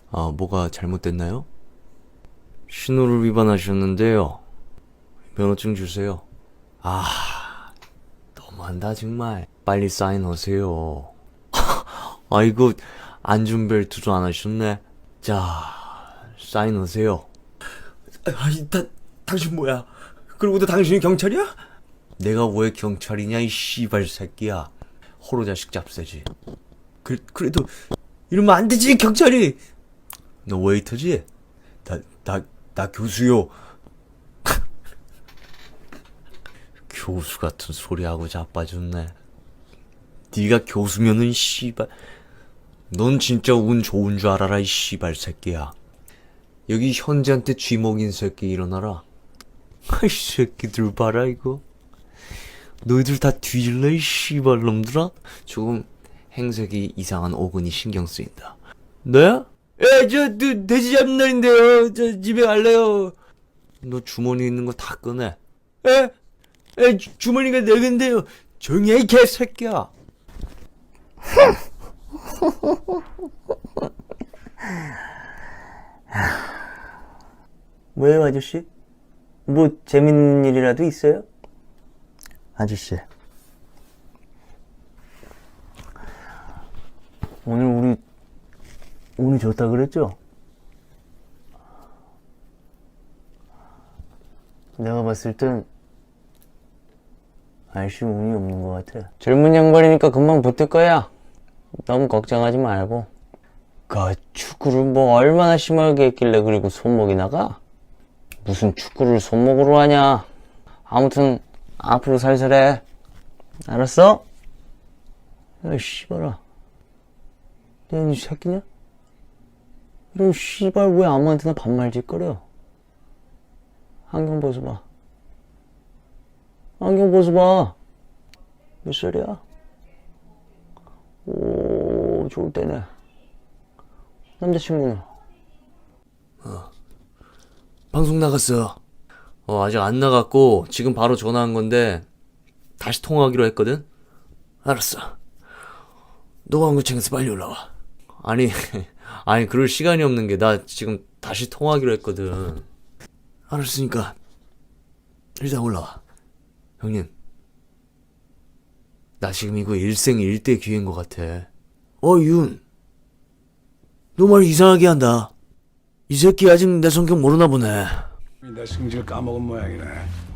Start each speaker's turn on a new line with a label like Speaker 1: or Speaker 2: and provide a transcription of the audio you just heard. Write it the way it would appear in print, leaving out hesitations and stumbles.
Speaker 1: 아, 뭐가 잘못됐나요? 신호를 위반하셨는데요. 면허증 주세요. 아, 너무한다 정말. 빨리 사인하세요. 아이고, 안전벨트도 안 하셨네. 자, 사인하세요.
Speaker 2: 아니, 당신 뭐야? 그러고도 당신이 경찰이야?
Speaker 1: 내가 왜 경찰이냐, 이 씨발 새끼야. 호로 자식 잡새지.
Speaker 2: 그래도 이러면 안 되지, 경찰이!
Speaker 1: 너 웨이터지? 나 교수요. 교수 같은 소리하고 자빠졌네. 네가 교수면은 씨발. 넌 진짜 운 좋은 줄 알아라, 이 씨발 새끼야. 여기 현지한테 쥐먹인 새끼 일어나라. 아이 새끼들 봐라 이거. 너희들 다 뒤질래, 이 씨발 놈들아? 조금 행색이 이상한 오근이 신경 쓰인다. 너야? 예, 돼지 잡는 날인데요. 저 집에 갈래요. 너 주머니 있는 거 다 꺼내. 에? 주머니가 네 개인데요. 조용히 해, 이 개새끼야.
Speaker 2: 뭐예요, 아저씨? 뭐 재밌는 일이라도 있어요? 아저씨, 오늘 우리 운이 좋다 그랬죠? 내가 봤을 땐 아저씨 운이 없는 것 같아. 젊은 양반이니까 금방 붙을 거야. 너무 걱정하지 말고. 그 축구를 뭐 얼마나 심하게 했길래 그리고 손목이 나가? 무슨 축구를 손목으로 하냐? 아무튼 앞으로 살살해. 알았어? 야, 씨발아. 너 이 새끼냐? 이런 씨발 왜 아무한테나 반말짓거려? 안경 벗어봐. 안경 벗어봐. 몇 살이야? 오, 좋을 때네. 남자친구는?
Speaker 1: 방송 나갔어. 아직 안 나갔고 지금 바로 전화한 건데 다시 통화하기로 했거든. 알았어. 노광구청에서 빨리 올라와. 아니 그럴 시간이 없는 게 나 지금 다시 통화하기로 했거든. 알았으니까 일단 올라와. 형님, 나 지금 이거 일생일대 기회인 것 같아. 윤, 너 말 이상하게 한다. 이 새끼 아직 내 성격 모르나 보네.
Speaker 3: 내 성질 까먹은 모양이네.